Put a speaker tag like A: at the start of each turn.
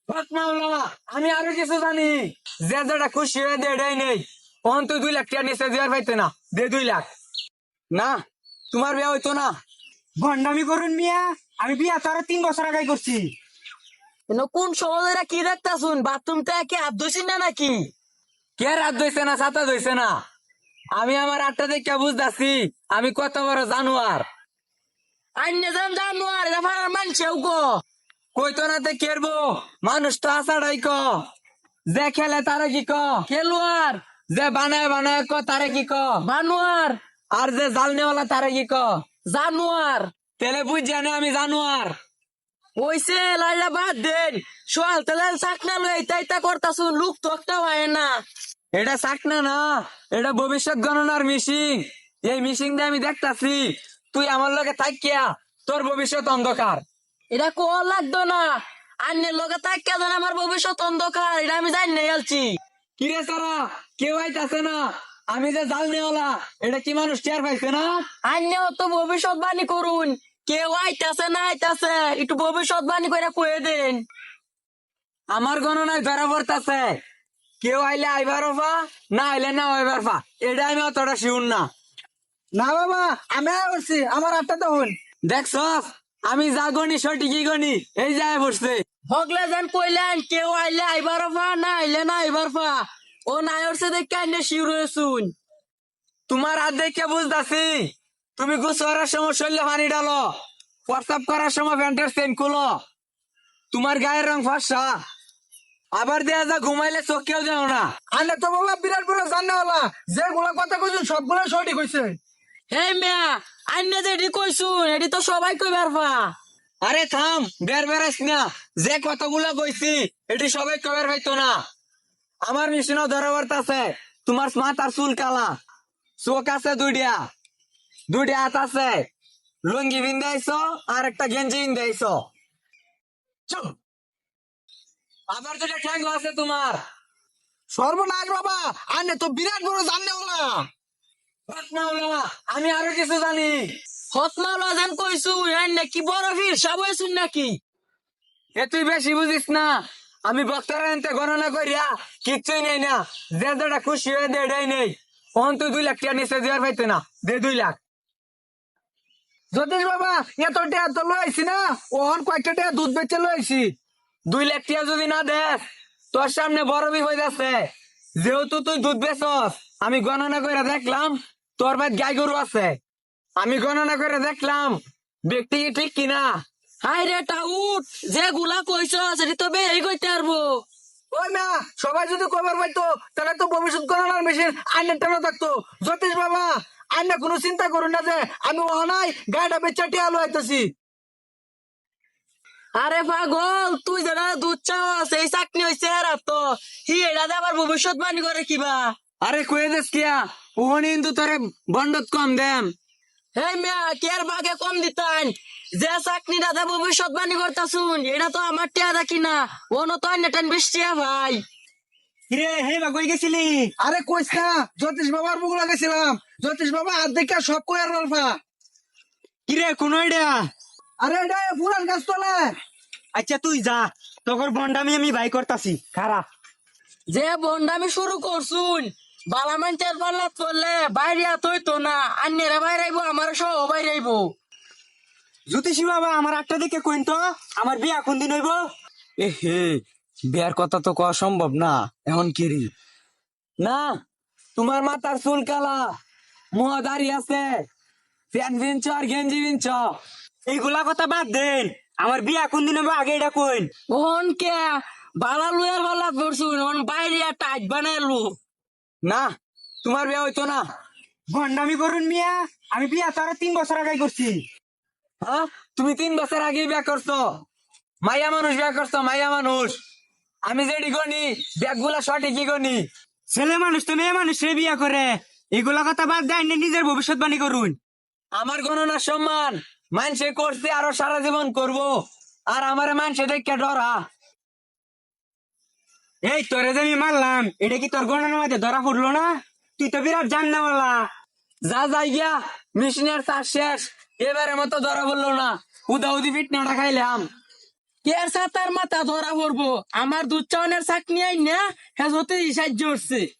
A: হক মাওলা, আমি আরো কিছু জানি। যে যেটা খুশি হয়ে দে এটাই নেই। অন তুই 2 লাখ টাকা নিচে দেওয়ার পাইতে না, দে 2 লাখ। না, তোমার বিয়ে হইতো না।
B: ভন্ডামি করুন মিয়া, আমি বিয়া তো আরো 3 বছর আগে করছি।
C: কোন সমাজেরা কি দেখতাছুন? বাথরুমটা কি হাত ধুইছেন না নাকি?
A: কে রাত ধইছে না, ছাতা ধইছে না। আমি আমার 8টা দেখে বুঝতাছি আমি কত বড় জানোয়ার।
C: আইনে যান জানোয়ার, এটা ফারার মানছেও গো।
A: কইতো না তে কেরবো, মানুষ তো আসাড়াই ক। যে খেলে তারে কি ক,
C: খেলোয়াড়,
A: যে বানায় বানায় ক তারে কি ক,
C: বানোয়ার,
A: আর যে জাল নেওয়ালা তারে কি ক।
C: জানোয়ার।
A: তেলে বুঝ জানে আমি জানোয়ার।
C: ওইসে লাইলা বাদ দেন। সোয়াল তেলাল চাকনা লই তাইতা করতাছুন, লুক তো একটা হয় না।
A: এটা চাকনা না, এটা ভবিষ্যৎ গণনার মিশিং। এই মিশিং দিয়ে আমি দেখতাছি তুই আমার লগে থাকিয়া তোর ভবিষ্যৎ অন্ধকার।
C: এটা কোয়া লাগতো না। আন্নের লগে তাকিয়া দেন আমার ভবিষ্যৎ অন্ধকার, এটা আমি জানি না গেলছি।
A: কিরে সারা, কেউ আইতাছে না। আমি যে জাল নেওয়ালা এটা কি মানুষ টের পাইছে না?
C: আন্নেও তো ভবিষ্যৎবাণী করুন। কেউ আইতাছে না আইতাছে, একটু ভবিষ্যৎবাণী করে কয়ে দেন।
A: আমার গণনায় ধরা পড়তাছে কেউ আইলে আইবার ফা, না আইলে না আইবার ফা। এটা আমি অতটা শিউর না।
B: না বাবা, আমি করছি, আমার 8টা তখন।
A: দেখছস আমি যা গনি সঠিকই গনি, এই যায় বসছে।
C: হগলে যেন কইলেন কেউ আইলে আইবার ফা, না আইলে না আইবার ফা। ও নাই ওরছে দেখে আন্নে শিউর হয়েছুন।
A: তোমার হাত দেখে বুঝতাছি তুমি গোসল করার সময় শরীরে পানি ডালো, প্রস্রাব করার সময় প্যান্টের চেন খুলো, তোমার গায়ের রং ফর্সা, আবার দেয়া যা ঘুমাইলে চোখেও যাও না।
B: আনে তো বাবা বিরাট বড় জাননেওয়ালা, যেগুলা কথা কইছেন সবগুলা সঠিক হইছে।
C: হে মিয়া, আন্নে যেটি কইছুন এটি তো সবাই কইবার ফা।
A: আরে থাম, বের বেড়াইস না। যে কতগুলো কইছি এটি সবাই কবের হইতো না। আমার মিশনও ধরা পড়তাছে তোমার মাথার চুল কালা, চোখ আছে 2টা হাত আছে, লুঙ্গি বিন্দাইছো আর একটা গেঞ্জি বিন্দাইছো, আবার 2টা ঠ্যাঙ্গ আছে তোমার।
B: সর্বনাশ বাবা, আনে তো বিরাট বড় জাননেওয়ালা।
A: হক মাওলা, আমি আরো কিছু জানি।
C: হতমাওলা যেন কইছুন আন্নে কি বড় ফির সব হয়েছুন নাকি?
A: এ তুই বেশি বুঝিস না। আমি বক্তার আনতে গণনা করিয়া কিচ্ছুই নেই না। যে যেটা খুশি হয়ে দে এটাই নেই। অন তুই 2 লাখ টাকা নিচে দেওয়ার পাইতে না, দে 2 লাখ।
B: যতীশ বাবা, এত টেয়া তো লইছি না, ওহন কয়েকটা টেয়া দুধ বেচে লইছি।
A: 2 লাখ টাকা যদি না দেস তোর সামনে বড় বিপদ আছে। যেহেতু তুই দুধ বেচস, আমি গণনা করে দেখলাম তোর ভাই গাই গরু আছে। আমি গণনা করে দেখলাম ব্যক্তি কি ঠিক কিনা।
C: হাই রে টাউট, যে গুলা কইছ সেটি তো বেই কইতে পারবো।
B: ওই না, সবাই যদি খবর পাইতো তাহলে তো ভবিষ্যৎ গণনার মেশিন আইনের টানা থাকতো। যতীশ বাবা, আইনে কোনো চিন্তা করুন না যে আমি ওহানাই গাড়িটা বেচা টিয়া লইতেছি।
C: আরে পাগল, তুই যারা দুধ চাওয়াস এই চাকনি হইছে আর তো হি এটা দিয়ে আবার ভবিষ্যৎবাণী করে কিবা।
A: আরে কয়ে দেস কিয়া, ওহনি কিন্তু তোরে বন্ডত কম দেম।
C: হে মিয়া, কের বাগে কম দিতান। যে চাকনি দাদা ভবিষ্যৎবাণী করতাছুন এটা তো আমার টিয়া দেখি না, ওনো তো নেটেন বৃষ্টিয়া ভাই।
B: কিরে হে বা কই গেছিলি? আরে কইস না, যতীশ বাবার মুখ লাগাইছিলাম। যতীশ বাবা হাত দেখা সব কই আর রলফা।
A: কিরে কোন আইডিয়া?
B: আরে এটা পুরান গাছ তোলে।
A: আচ্ছা তুই যা, তোর বন্ডামি আমি ভাই করতাছি, খারাপ।
C: যে বন্ডামি শুরু করছুন, বালামানটার পাল্লাত পড়লে বাইরে আতই তো না, আন্যেরা বাইরে আইবো, আমার সহ বাইরে আইবো।
A: জ্যোতিষী বাবা আমার 8টা দিকে কইন তো, আমার বিয়া কোন দিন হইব? এ হে, বিয়ার কথা তো কওয়া সম্ভব না এখন কিরি। না, তোমার মাথার চুল কালা, মুহ দাড়ি আছে, প্যান্ট বিনছ আর গেঞ্জি বিনছ, এইগুলা কথা বাদ দেন। আমার বিয়া কোন দিন হইব আগে এটা কইন।
C: ওহন কে বালা লুয়ার পাল্লাত পড়ছুন, ওহন বাইরে টাইট বানাইলু।
A: না, তোমার বিয়া হইতো না।
B: ভন্ডামি করুন মিয়া, আমি বিয়া তো আরো 3 বছর আগে করছি।
A: হ্যাঁ, তুমি 3 বছর আগে বিয়া করছো। মাইয়া মানুষ বিয়া করছো, মাইয়া মানুষ। আমি যেটি গনি ব্যাগগুলা সঠিকই গনি।
B: ছেলে মানুষ তো মেয়ে মানুষ বিয়া করে, এগুলা কথা বাদ দেয় নিজের ভবিষ্যৎবাণী করুন।
A: আমার গণনার সম্মান মানুষে করছে আরো সারা জীবন করব, আর আমার মানুষে দেখে ডরা।
B: এই তোরে যে আমি মারলাম, এটা কি তোর গণনার মধ্যে ধরা পড়লো না? তুই তো বিরাট জানলাওয়ালা।
A: যা যাই গিয়া, মিশনের চাষ শেষ। এবারে মতো ধরা বললো না, উদাউদি পিটনাটা খাইলাম।
C: কের সাতার মাথা ধরা পড়বো আমার দুধ চাওয়ানের চাকনি আই না হ্যাঁ হতে সাহায্য করছে